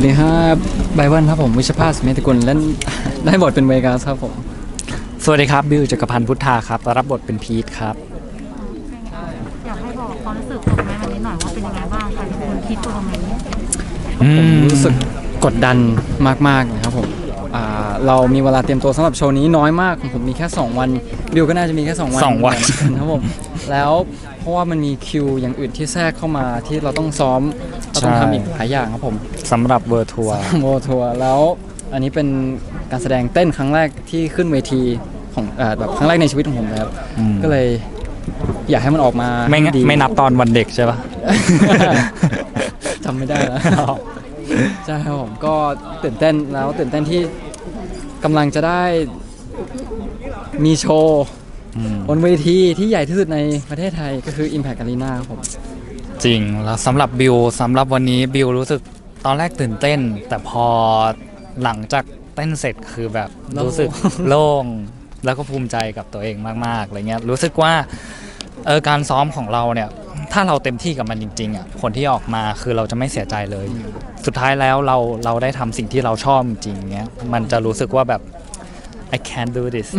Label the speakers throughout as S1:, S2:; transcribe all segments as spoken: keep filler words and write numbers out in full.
S1: วัสดีครับไบเบิลครับผมวิชภาสเมติกุลเล่นได้บทเป็นเวกัสครับผม
S2: สวัสดีครับบิวจักรพันธ์พุทธาครับรับบทเป็นพีทครับ
S3: อยากให้บอกความรู้สึกของแม่วันนี้หน่อยว่าเป็นยังไงบ้างคะคุณพีทตัวนี้
S1: ผมรู้สึกกดดันมากๆนะครับผมเรามีเวลาเตรียมตัวสำหรับโชว์นี้น้อยมากของผมมีแค่สองวันบิวก็น่าจะมีแค่สองวัน
S2: สองวัน
S1: ครับผมแล้วเพราะว่ามันมีคิวอย่างอื่นที่แทรกเข้ามาที่เราต้องซ้อมเราต้องทำอีกหลายอย่างครับผม
S2: สำหรับเวอร์ทัวร์
S1: เวอร์ทัวร์แล้วอันนี้เป็นการแสดงเต้นครั้งแรกที่ขึ้นเวทีของแบบครั้งแรกในชีวิตของผมเลยครับก็เลยอยากให้มันออกมา
S2: ไม่ไม่นับตอนวันเด็กใช่ปะ
S1: จำไม่ได้แล้วใช่ครับผมก็ตื่นเต้นแล้วตื่นเต้นที่กำลังจะได้มีโชว์บนเวทีที่ใหญ่ที่สุดในประเทศไทยก็คือ Impact Arena ครับผม
S2: จริงแล้วสำหรับบิวสำหรับวันนี้บิวรู้สึกตอนแรกตื่นเต้นแต่พอหลังจากเต้นเสร็จคือแบบรู้สึกโล่งแล้วก็ภูมิใจกับตัวเองมากๆอะไรเงี้ยรู้สึกว่าเออการซ้อมของเราเนี่ยถ้าเราเต็มที่กับมันจริงๆอ่ะผลที่ออกมาคือเราจะไม่เสียใจเลยสุดท้ายแล้วเราเราได้ทำสิ่งที่เราชอบจริงๆเงี้ยมันจะรู้สึกว่าแบบ I can't do this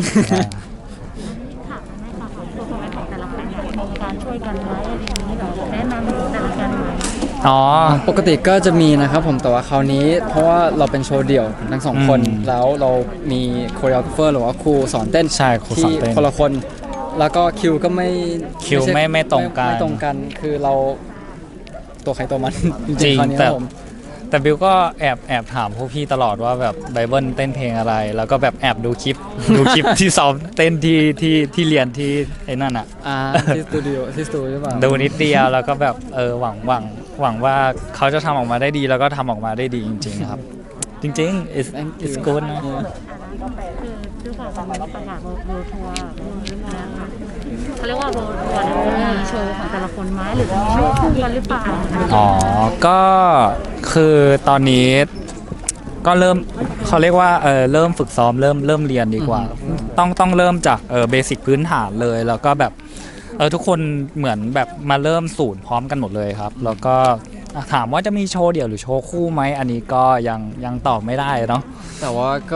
S3: การช่วยกันไหมอะไรอย่างนี้แบบแนะนำแต่ละกันไหม
S1: อ๋อปกติก็จะมีนะครับผมแต่ว่าคราวนี้เพราะว่าเราเป็นโชว์เดี่ยวทั้งสองคนแล้วเรามีโคเรียโอเฟอร์หรือว่าครูสอนเต้น
S2: ใช่ครูสอนเต้น
S1: คนละคนแล้วก็คิวก็ไม่
S2: คิวไม่ไม่ตรงกัน
S1: ไม่ตรงกันคือเราตัวใครตัวมันจริง
S2: แต่แต่บิวก็แอบแอบถามพวกพี่ตลอดว่าแบบไบเบิลเต้นเพลงอะไรแล้วก็แบบแอบดูคลิปดูคลิปที่ซ้อมเต้นที่ที่ที่เรียนที่ไอ้นั่นอ่ะ
S1: อ่าที่สตูดิโอที่สตูใช่ป่ะ
S2: ดูนิดเดียวแล้วก็แบบเออหวังหวังหวังว่าเขาจะทำออกมาได้ดีแล้วก็ทำออกมาได้ดีจริงๆครับจริงๆ it's it's good นะ
S3: คือด้วยความเป็นประกาศโรทัวร์เขาเรียกว่าโรทัวร์เนี่ยมีโชว์ของแต่ละคนไหมหรือมีโชว์คู่กันหรือเปล่า
S2: อ๋อก็คือตอนนี้ก็เริ่มเขาเรียกว่าเออเริ่มฝึกซ้อมเริ่มเริ่มเรียนดีกว่าต้องต้องเริ่มจากเออเบสิกพื้นฐานเลยแล้วก็แบบเออทุกคนเหมือนแบบมาเริ่มศูนย์พร้อมกันหมดเลยครับแล้วก็ถามว่าจะมีโชว์เดี่ยวหรือโชว์คู่ไหมอันนี้ก็ยังยังตอบไม่ได้เนาะ
S1: แต่ว่าก็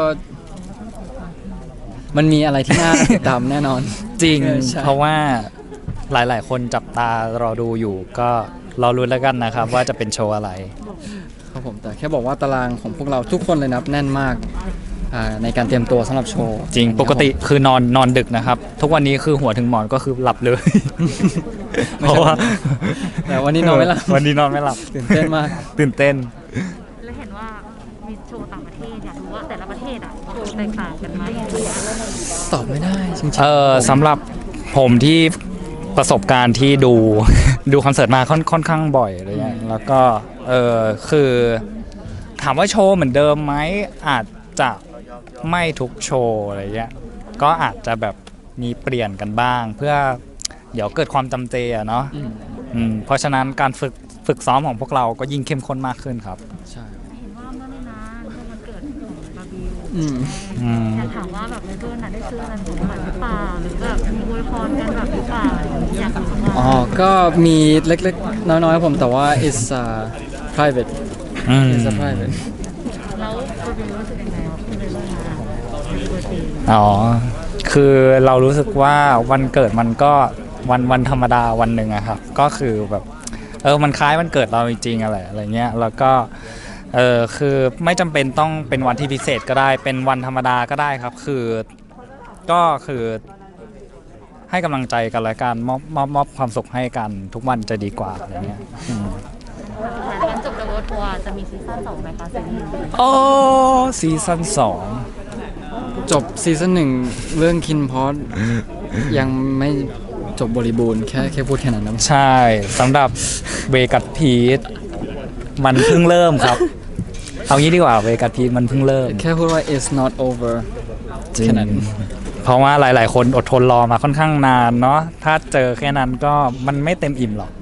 S1: มันมีอะไรที่น่าติดตามแน่นอน
S2: จริงเพราะว่าหลายๆคนจับตารอดูอยู่ก็รอรุ้นแล้วกันนะครับว่าจะเป็นโชว์อะไร
S1: ครับผมแต่แค่บอกว่าตารางของพวกเราทุกคนเลยนับแน่นมากในการเตรียมตัวสำหรับโชว์
S2: จริงปกติคือนอนนอนดึกนะครับทุกวันนี้คือหัวถึงหมอนก็คือหลับเลยเพราะว่า
S1: แต่วันนี้นอนไม่หลับ
S2: วันนี้นอนไม่หลับ
S1: ตื่นเต้นมาก
S2: ตื่นเต้น
S3: แล้วเห็นว่ามีโชว์ต่างประเทศอยากรู้ว่าแต่ละประเทศอ่ะโชว์แตกต่างกันไหม
S1: ตอบไม่ได้จริงๆ
S2: เออสำหรับผมที่ประสบการณ์ที่ดูดูคอนเสิร์ตมาค่อนค่อนข้างบ่อยอะไรเงี้ยแล้วก็เออคือถามว่าโชว์เหมือนเดิมไหมอาจจะไม่ทุกโชว์อะไรเงี้ยก็อาจจะแบบมีเปลี่ยนกันบ้างเพื่อเดี๋ยวเกิดความจำเจอะเนาะเพราะฉะนั้นการฝึกฝึกซ้อมของพวกเราก็ยิ่งเข้มข้นมากขึ้นครับ
S1: ใช่
S3: เห็นว่าเมื่อไม่นานเมื่อวันเกิดของบาร์บิวอยากถามว่าแบบในเพื่อนน่ะได้ซื้ออะไรของขวัญหรือเปล่าหรือแบบมีอวยพรกันแบบหรือเปล่าอยากรู้ว่า
S1: อ๋อก็มีเล็กๆน้อยๆผมแต่ว่า is uh, private is a private
S3: แล้วบาร์บิวรู้สึกยังไงที่ได้ร่วมงาน
S2: อ๋อคือเรารู้สึกว่าวันเกิดมันก็วันวันธรรมดาวันหนึ่งอะครับก็คือแบบเออมันคล้ายวันเกิดเราจริงๆอะไรอะไรเงี้ยแล้วก็เออคือไม่จำเป็นต้องเป็นวันที่พิเศษก็ได้เป็นวันธรรมดาก็ได้ครับคือก็คือให้กำลังใจกันและกันมอบมอบมอบความสุขให้กันทุกวันจะดีกว่าอะไรเงี้ย
S3: หลังจบเดอะทัวร์จะมีซีซั่นสองไหมคะซีรีส์
S2: โอ้ซีซั่นสอง
S1: จบซีซั่นหนึ่งเรื่องคินพอดยังไม่จบบริบูรณ์แค่แค่พูดแค่นั้นนะ
S2: ใช่สำหรับเวกัสพีทมันเพิ่งเริ่มครับเอางี้ดีกว่าเวกัสพีทมันเพิ่งเริ่ม
S1: แค่พูดว่า it's not over แค่นั้น
S2: เพราะว่าหลายๆคนอดทนรอมาค่อนข้างนานเนาะถ้าเจอแค่นั้นก็มันไม่เต็มอิ่มหรอก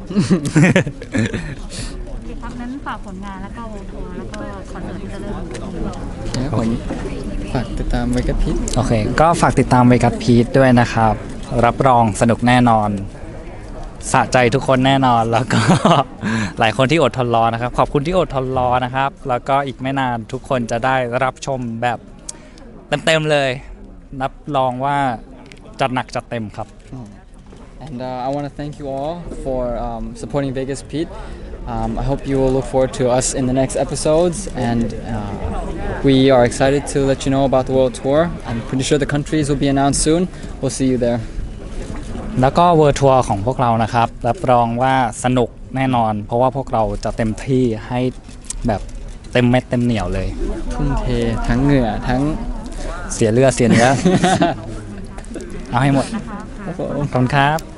S3: ครับนั้นฝากผลงานแล้วก็วงทัวร์แล้วก็คอนเสิร์ตที่จะเริ่ม
S1: ผมฝากติดตามเวกัสพีท
S2: โอเคก็ฝากติดตามเวกัสพีทด้วยนะครับรับรองสนุกแน่นอนสะใจทุกคนแน่นอนแล้วก็ หลายคนที่อดทนรอนะครับ ขอบคุณที่อดทนรอนะครับ แล้วก็อีกไม่นานทุกคนจะได้รับชมแบบเต็มๆเลยรับรองว่าจัดหนักจัดเต็มครับ
S1: And uh, I want to thank you all for um, supporting Vegas Pete. Um, I hope you will look forward to us in the next episodes, and uh, we are excited to let you know about the world tour. I'm pretty sure the countries will be announced soon. We'll see you there.
S2: แล้วก็เวิร์ทัวร์ของพวกเรานะครับรับรองว่าสนุกแน่นอน เพราะว่าพวกเราจะเต็มที่ให้แบบเต็มเม็ดเต็มเหนียวเลย
S1: ทุ่มเททั้งเหงื่อทั้ง
S2: เสียเลือดเสียเนื้อ เอาให้หมด
S3: นะคะ
S2: ขอบคุณครับ